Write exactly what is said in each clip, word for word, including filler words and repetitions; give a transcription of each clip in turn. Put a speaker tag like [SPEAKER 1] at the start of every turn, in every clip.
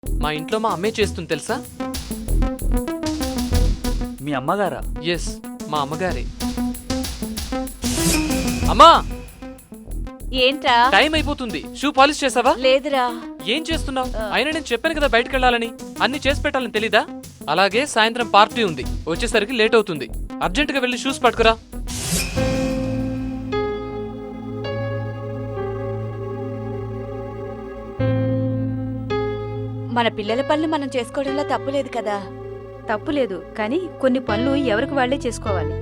[SPEAKER 1] మా ఇంట్లో మా అమ్మే చేస్తుంది తెలుసా?
[SPEAKER 2] మీ అమ్మగారా?
[SPEAKER 1] ఎస్, మా అమ్మగారే. అమ్మా,
[SPEAKER 3] ఏంట్రా?
[SPEAKER 1] టైం అయిపోతుంది. షూ పాలిష్ చేసావా?
[SPEAKER 3] లేదురా.
[SPEAKER 1] ఏం చేస్తున్నావు? అయినా నేను చెప్పాను కదా బయటకు వెళ్ళాలని. అన్ని చేసి పెట్టాలని తెలీదా? అలాగే సాయంత్రం పార్టీ ఉంది, వచ్చేసరికి లేట్ అవుతుంది. అర్జెంటుగా వెళ్ళి షూస్ పట్టుకురా.
[SPEAKER 3] మన పిల్లల పనులు మనం చేసుకోవడంలో తప్పులేదు కదా.
[SPEAKER 4] తప్పులేదు, కానీ కొన్ని పనులు ఎవరికి వాళ్లే చేసుకోవాలి.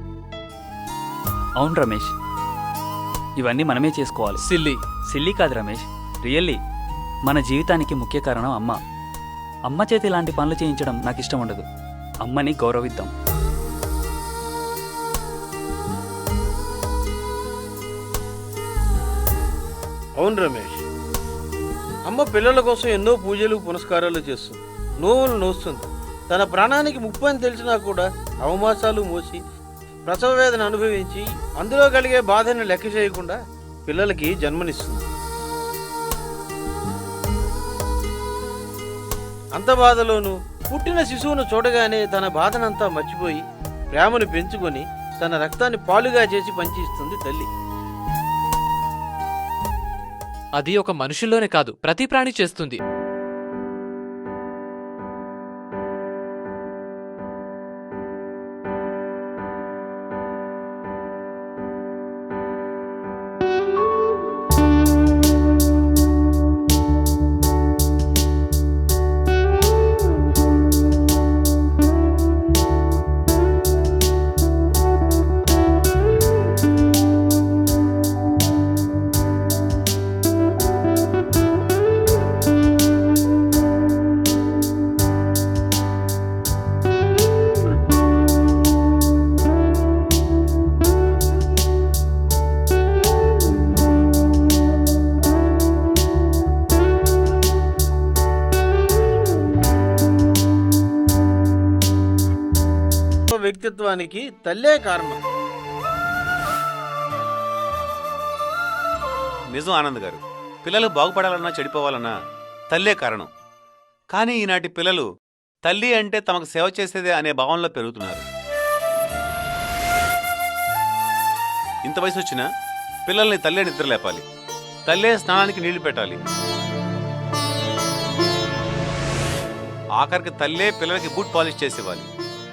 [SPEAKER 2] అవును రమేష్, ఇవన్నీ మనమే చేసుకోవాలి.
[SPEAKER 1] సిల్లీ.
[SPEAKER 2] సిల్లీ కాదు రమేష్, రియల్లీ. మన జీవితానికి ముఖ్య కారణం అమ్మ. అమ్మ చేతి ఇలాంటి పనులు చేయించడం నాకు ఇష్టం ఉండదు. అమ్మని గౌరవిద్దాం.
[SPEAKER 5] అవును రమేష్, అమ్మ పిల్లల కోసం ఎన్నో పూజలు పునస్కారాలు చేస్తుంది, నోవులు నోస్తుంది. తన ప్రాణానికి ముప్పు అని తెలిసినా కూడా అవమాసాలు మోసి ప్రసవ వేదన అనుభవించి అందులో కలిగే బాధను లెక్క చేయకుండా పిల్లలకి జన్మనిస్తుంది. అంత బాధలోనూ పుట్టిన శిశువును చూడగానే తన బాధనంతా మర్చిపోయి ప్రేమను పెంచుకొని తన రక్తాన్ని పాలుగా చేసి పంచిస్తుంది తల్లి.
[SPEAKER 1] అది ఒక మనుషుల్లోనే కాదు, ప్రతి ప్రాణి చేస్తుంది.
[SPEAKER 5] వ్యక్తిత్వానికి తల్లే కారణం.
[SPEAKER 6] నిజం ఆనంద్ గారు, పిల్లలు బాగుపడాలన్నా చెడిపోవాలన్నా తల్లే కారణం. కానీ ఈనాటి పిల్లలు తల్లి అంటే తమకు సేవ చేసేదే అనే భావనలో పెరుగుతున్నారు. ఇంత వయసు వచ్చినా పిల్లల్ని తల్లే నిద్ర లేపాలి, తల్లే స్నానానికి నీళ్లు పెట్టాలి, ఆఖరికి తల్లే పిల్లలకి బూట్ పాలిష్ చేసేవాలి.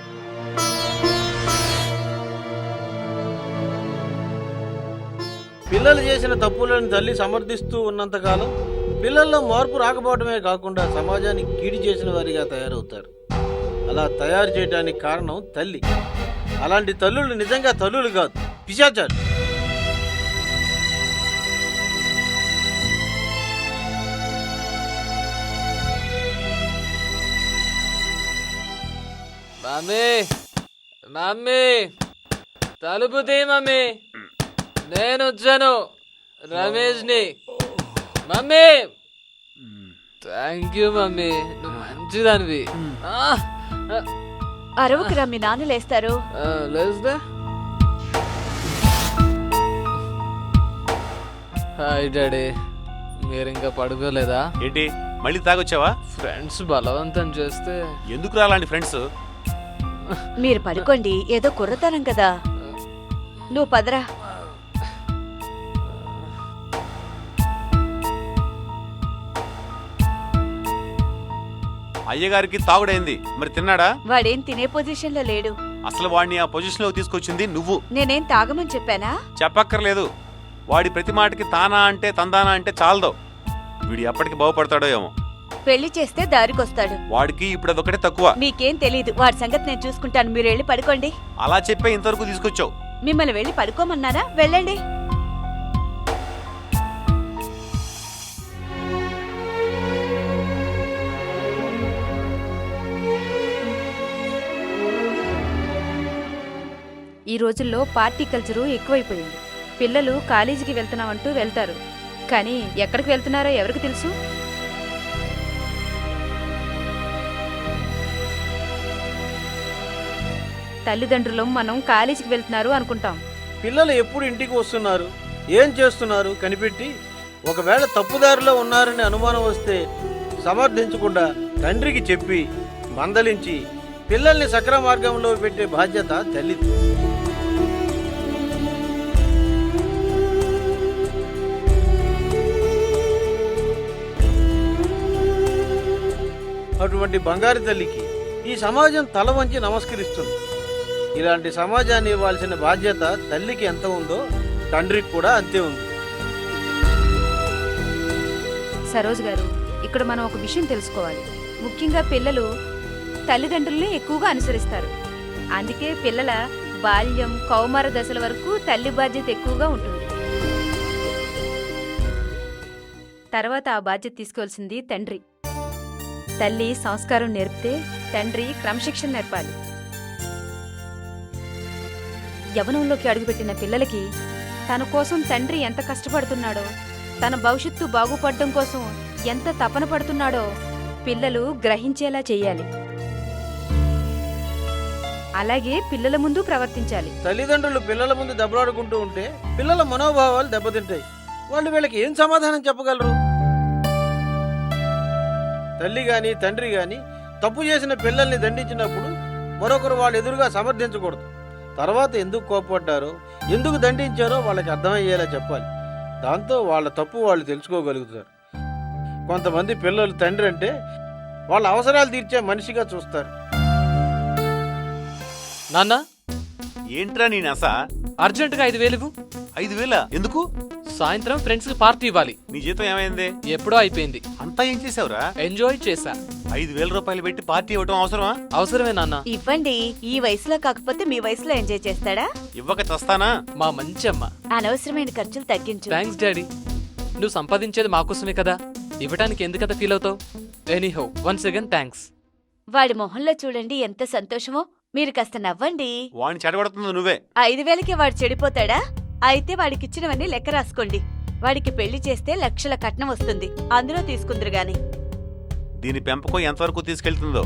[SPEAKER 5] పిల్లలు చేసిన తప్పులను తల్లి సమర్థిస్తూ ఉన్నంతకాలం పిల్లల్లో మార్పు రాకపోవడమే కాకుండా సమాజానికి కీడు చేసిన వారిగా తయారవుతారు. అలా తయారు చేయడానికి కారణం తల్లి. అలాంటి తల్లులు నిజంగా తల్లులు కాదు, పిశాచాలు.
[SPEAKER 1] మమ్మీ, మమ్మీ, తలుపు తీ మమ్మీ, నేను వచ్చాను, రమేష్ ని. మమ్మీ, థ్యాంక్ యూ మమ్మీ, నువ్వు మంచిదానివి.
[SPEAKER 3] అరవకురా, మీ నాన్న లేస్తారు.
[SPEAKER 1] లేస్దా? హాయ్ డాడీ, మీరు ఇంకా పడుకోలేదా?
[SPEAKER 6] ఏంటి మళ్ళీ తాగొచ్చావా?
[SPEAKER 1] ఫ్రెండ్స్ బలవంతం చేస్తే.
[SPEAKER 6] ఎందుకు అలాంటి ఫ్రెండ్స్?
[SPEAKER 3] మీరు పడుకోండి, ఏదో కుర్రతనం కదా. నువ్వు పదరా.
[SPEAKER 6] అయ్యగారికి తాగుడైంది, మరి తిన్నాడా?
[SPEAKER 3] వాడేం తినే పొజిషన్ లో లేడు.
[SPEAKER 6] అసలు వాడిని ఆ పొజిషన్ లో తీసుకొచ్చింది నువ్వు.
[SPEAKER 3] నేనేం తాగమని చెప్పానా?
[SPEAKER 6] చెప్పక్కర్లేదు. వాడి ప్రతి మాటకి తానా అంటే తందానా అంటే చాలదో. వీడు ఎప్పటికి బాగుపడతాడో ఏమో.
[SPEAKER 3] పెళ్లి చేస్తే దారికొస్తాడు.
[SPEAKER 6] వాడికి ఇప్పుడు అదొకటే తక్కువ.
[SPEAKER 3] మీకేం తెలీదు, వాడి సంగతి నేను చూసుకుంటాను. మీరు వెళ్ళి పడుకోండి.
[SPEAKER 6] అలా చెప్పే ఇంతవరకు తీసుకొచ్చావు.
[SPEAKER 3] మిమ్మల్ని వెళ్ళి పడుకోమన్నానా? వెళ్ళండి.
[SPEAKER 4] ఈ రోజుల్లో పార్టీ కల్చరు ఎక్కువైపోయింది. పిల్లలు కాలేజీకి వెళ్తున్నామంటూ వెళ్తారు, కానీ ఎక్కడికి వెళ్తున్నారో ఎవరికి తెలుసు? తల్లిదండ్రులు మనం కాలేజీకి వెళ్తున్నారు అనుకుంటాం.
[SPEAKER 5] పిల్లలు ఎప్పుడు ఇంటికి వస్తున్నారు, ఏం చేస్తున్నారు కనిపెట్టి ఒకవేళ తప్పుదారిలో ఉన్నారని అనుమానం వస్తే సమర్థించకుండా తండ్రికి చెప్పి మందలించి పిల్లల్ని సక్రమ మార్గంలో పెట్టే బాధ్యత తల్లిది. అటువంటి బంగారు తల్లికి ఈ సమాజం తల వంచి నమస్కరిస్తుంది. ఇలాంటి సమాజాన్ని ఇవ్వాల్సిన బాధ్యత తల్లికి ఎంత ఉందో తండ్రికి కూడా అంతే ఉంది.
[SPEAKER 4] సరోజ్ గారు, ఇక్కడ మనం ఒక విషయం తెలుసుకోవాలి. ముఖ్యంగా పిల్లలు తల్లిదండ్రుల్ని ఎక్కువగా అనుసరిస్తారు. అందుకే పిల్లల బాల్యం కౌమార దశల వరకు తల్లి బాధ్యత ఎక్కువగా ఉంటుంది. తర్వాత ఆ బాధ్యత తీసుకోవాల్సింది తండ్రి. తల్లి సంస్కారం నేర్పితే తండ్రి క్రమశిక్షణ నేర్పాలి. యవనంలోకి అడుగుపెట్టిన పిల్లలకి తన కోసం తండ్రి ఎంత కష్టపడుతున్నాడో, తన భవిష్యత్తు బాగుపడడం కోసం ఎంత తపన పడుతున్నాడో పిల్లలు గ్రహించేలా చెయ్యాలి. అలాగే పిల్లల ముందు ప్రవర్తించాలి.
[SPEAKER 5] తల్లిదండ్రులు పిల్లల ముందు దెబ్బలాడుకుంటూ ఉంటే పిల్లల మనోభావాలు దెబ్బతింటాయి. వాళ్ళు వీళ్ళకి ఏం సమాధానం చెప్పగలరు? తల్లి గాని తండ్రి గాని తప్పు చేసిన పిల్లల్ని దండించినప్పుడు మరొకరు వాళ్ళ ఎదురుగా సమర్థించకూడదు. తర్వాత ఎందుకు కోపపడ్డారో, ఎందుకు దండించారో వాళ్ళకి అర్థమయ్యేలా చెప్పాలి. దాంతో వాళ్ళ తప్పు వాళ్ళు తెలుసుకోగలుగుతారు. కొంతమంది పిల్లలు తండ్రి అంటే వాళ్ళ అవసరాలు తీర్చే మనిషిగా చూస్తారు.
[SPEAKER 1] నాన్న,
[SPEAKER 6] ఏంట్రా నీ నస?
[SPEAKER 1] అర్జెంటుగా ఐదు వేలు ఇవ్వు.
[SPEAKER 6] ఐదు వేల ఎందుకు?
[SPEAKER 1] సాయంత్రం ఫ్రెండ్స్ కి పార్టీ ఇవ్వాలి.
[SPEAKER 6] నీ జీతం ఏమైంది?
[SPEAKER 1] ఎప్పుడో అయిపోయింది.
[SPEAKER 6] అంతా ఏం చేసావురా?
[SPEAKER 1] ఎంజాయ్ చేశా.
[SPEAKER 6] ఐదు వేల రూపాయలు పెట్టి పార్టీ ఇవ్వటం అవసరమా?
[SPEAKER 1] అవసరమే నాన్న.
[SPEAKER 3] ఇవ్వండి. ఈ వయసులో కాకపోతే మీ వయసులో ఎంజాయ్ చేస్తాడా?
[SPEAKER 6] ఇవ్వక చస్తానా?
[SPEAKER 1] మా మంచి అమ్మ.
[SPEAKER 3] అనవసరమైన ఖర్చులు తగ్గించు.
[SPEAKER 1] Thanks daddy. నువ్వు సంపాదించేది మాకోసమే కదా, ఇవ్వటానికి ఎందుకదా ఫీల్ అవుతావు? Anyhow, once again thanks.
[SPEAKER 3] వాడి మొహంలో చూడండి ఎంత సంతోషమో. మీరు కాస్త నవ్వండి.
[SPEAKER 6] వాడిని చెడగొడుతుంది నువ్వే.
[SPEAKER 3] ఐదు వేలకి వాడు చెడిపోతాడా? అయితే వాడికిచ్చినవన్నీ లెక్క రాసుకోండి. వాడికి పెళ్లి చేస్తే లక్షల కట్నం వస్తుంది, అందులో తీసుకుందరు గాని.
[SPEAKER 6] దీని పెంపకం ఎంతవరకు తీసుకెళ్తుందో.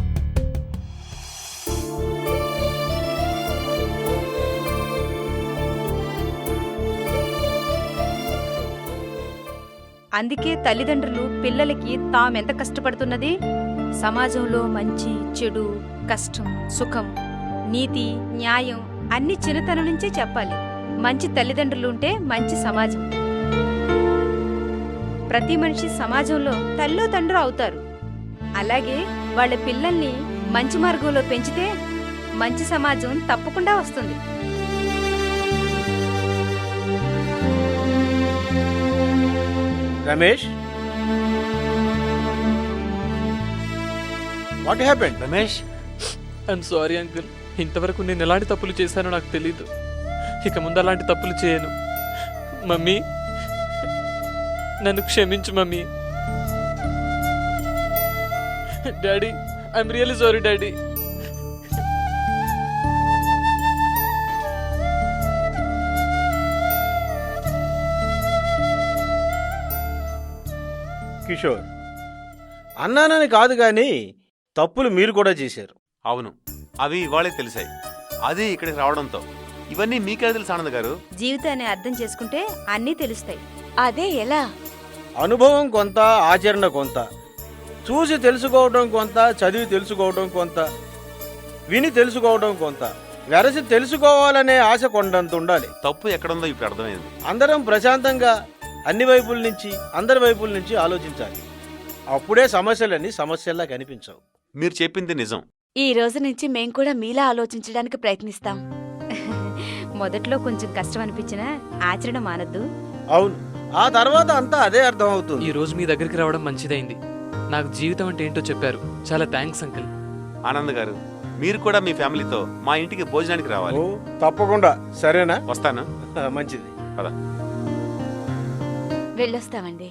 [SPEAKER 4] అందుకే తల్లిదండ్రులు పిల్లలకి తామెంత కష్టపడుతున్నది, సమాజంలో మంచి చెడు కష్టం సుఖం నీతి న్యాయం అన్ని చిన్నతనం నుంచే చెప్పాలి. మంచి తల్లిదండ్రులు ఉంటే మంచి సమాజం. ప్రతి మనిషి సమాజంలో తల్లో తండ్రి అవుతారు. అలాగే వాళ్ళ పిల్లల్ని మంచి మార్గంలో పెంచితే మంచి సమాజం తప్పకుండా వస్తుంది.
[SPEAKER 5] Ramesh, what happened?
[SPEAKER 6] Ramesh,
[SPEAKER 1] I'm sorry uncle. ఇంతవరకు నేను ఎలాంటి తప్పులు చేశానో నాకు తెలీదు. ఇక ముందు అలాంటి తప్పులు చేయను. మమ్మీ, నన్ను క్షమించు mummy. Daddy, I'm really sorry daddy.
[SPEAKER 5] Kishore, అన్నానని కాదు కానీ తప్పులు మీరు కూడా చేశారు.
[SPEAKER 6] అవును, అవి ఇవాళే తెలిసాయి. అది ఇక్కడికి రావడంతో. ఇవన్నీ మీకే తెలుసు ఆనంద్ గారు.
[SPEAKER 4] జీవితాన్ని అర్థం చేసుకుంటే అన్నీ తెలుస్తాయి.
[SPEAKER 3] అదే ఎలా?
[SPEAKER 5] అనుభవం కొంత, ఆచరణ కొంత. చూసి తెలుసుకోవడం కొంత, చదివి తెలుసుకోవడం కొంత, విని తెలుసుకోవడం కొంత. వెరసి తెలుసుకోవాలనే ఆశ కొండంత ఉండాలి.
[SPEAKER 6] తప్పు ఎక్కడుందో ఇప్పుడు అర్థమైంది.
[SPEAKER 5] అందరం ప్రశాంతంగా అన్ని వైపుల నుంచి, అందరి వైపుల నుంచి ఆలోచించాలి. అప్పుడే సమస్యలన్నీ సమస్యల్లా కనిపించవు.
[SPEAKER 6] మీరు చెప్పింది నిజం.
[SPEAKER 3] ఈ రోజు నుంచి మేం కూడా మీలా ఆలోచించడానికి ప్రయత్నిస్తాం.
[SPEAKER 4] మొదట్లో కొంచెం కష్టం అనిపించినా ఆచరణ మానద్దు.
[SPEAKER 5] అవును, ఆ తర్వాత అంతా అదే అర్థం అవుతుంది.
[SPEAKER 1] ఈ రోజు మీ దగ్గరికి రావడం మంచిదైంది. నాకు జీవితం అంటే ఏంటో చెప్పారు. చాలా థ్యాంక్స్ అంకుల్.
[SPEAKER 6] ఆనంద్ గారు, మీరు కూడా మీ ఫ్యామిలీతో మా ఇంటికి భోజనానికి రావాలి.
[SPEAKER 5] ఓ, తప్పకుండా. సరేనా?
[SPEAKER 6] వస్తాను.
[SPEAKER 5] మంచిది.
[SPEAKER 6] పద.
[SPEAKER 3] వెళ్ళొస్తామండి.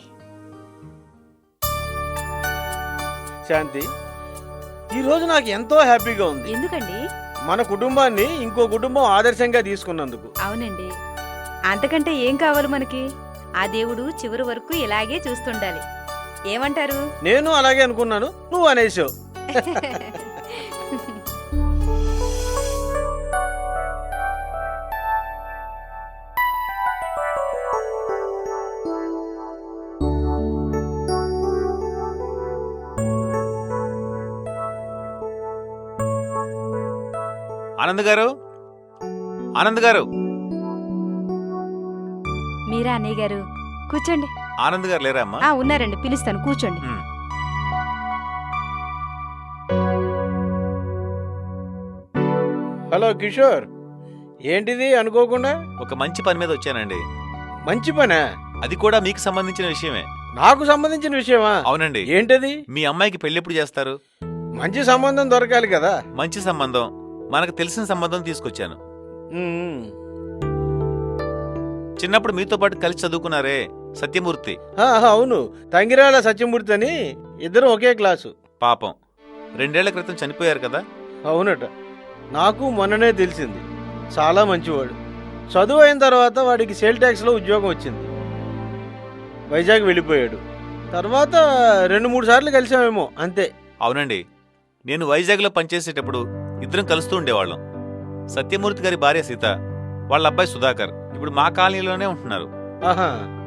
[SPEAKER 5] శాంతి, ఈ రోజు నాకు ఎంతో హ్యాపీగా ఉంది.
[SPEAKER 4] ఎందుకండి?
[SPEAKER 5] మన కుటుంబాన్ని ఇంకో కుటుంబం ఆదర్శంగా తీసుకున్నందుకు.
[SPEAKER 4] అవునండి, అంతకంటే ఏం కావాలి మనకి? ఆ దేవుడు చివరి వరకు ఇలాగే చూస్తుండాలి. ఏమంటారు?
[SPEAKER 5] నేను అలాగే అనుకున్నాను, నువ్వు అనేసావు.
[SPEAKER 6] ఆనంద్ గారు ఆనంద్ గారు
[SPEAKER 4] మీరా అన్నయ్య గారు కూర్చోండి.
[SPEAKER 6] ఆనంద్ గారు లేరా అమ్మా?
[SPEAKER 4] ఆ ఉన్నారండి, పిలుస్తాను, కూర్చోండి.
[SPEAKER 6] ఉమ్.
[SPEAKER 5] హలో కిషోర్, ఏంటిది అనుకోకుండా?
[SPEAKER 6] ఒక మంచి పని మీద వచ్చానండి.
[SPEAKER 5] మంచి పనా?
[SPEAKER 6] అది కూడా మీకు సంబంధించిన విషయమే.
[SPEAKER 5] నాకు సంబంధించిన విషయమా?
[SPEAKER 6] అవునండి.
[SPEAKER 5] ఏంటది?
[SPEAKER 6] మీ అమ్మాయికి పెళ్లి ఎప్పుడు చేస్తారు?
[SPEAKER 5] మంచి సంబంధం దొరకాలి కదా.
[SPEAKER 6] మంచి సంబంధం, మనకు తెలిసిన సంబంధం తీసుకొచ్చాను.
[SPEAKER 5] ఉమ్.
[SPEAKER 6] చిన్నప్పుడు మీతో పాటు కలిసి చదువుకున్నారే సత్యమూర్తి.
[SPEAKER 5] ఆ, అవును, తంగిరాల సత్యమూర్తి అని ఇద్దరం ఒకే క్లాసు.
[SPEAKER 6] పాపం రెండేళ్ల క్రితం చనిపోయారు కదా.
[SPEAKER 5] అవునట, నాకు మొన్ననే తెలిసింది. చాలా మంచివాడు. చదువు అయిన తర్వాత వాడికి సేల్ ట్యాక్స్లో ఉద్యోగం వచ్చింది. వైజాగ్ వెళ్ళిపోయాడు. తర్వాత రెండు మూడు సార్లు కలిసామేమో, అంతే.
[SPEAKER 6] అవునండి, నేను వైజాగ్లో పనిచేసేటప్పుడు ఇద్దరం కలుస్తూ ఉండేవాళ్ళం. సత్యమూర్తి గారి భార్య సీత, వాళ్ళ అబ్బాయి సుధాకర్ ఇప్పుడు మా కాలనీలోనే ఉంటున్నారు.
[SPEAKER 5] ఆహా,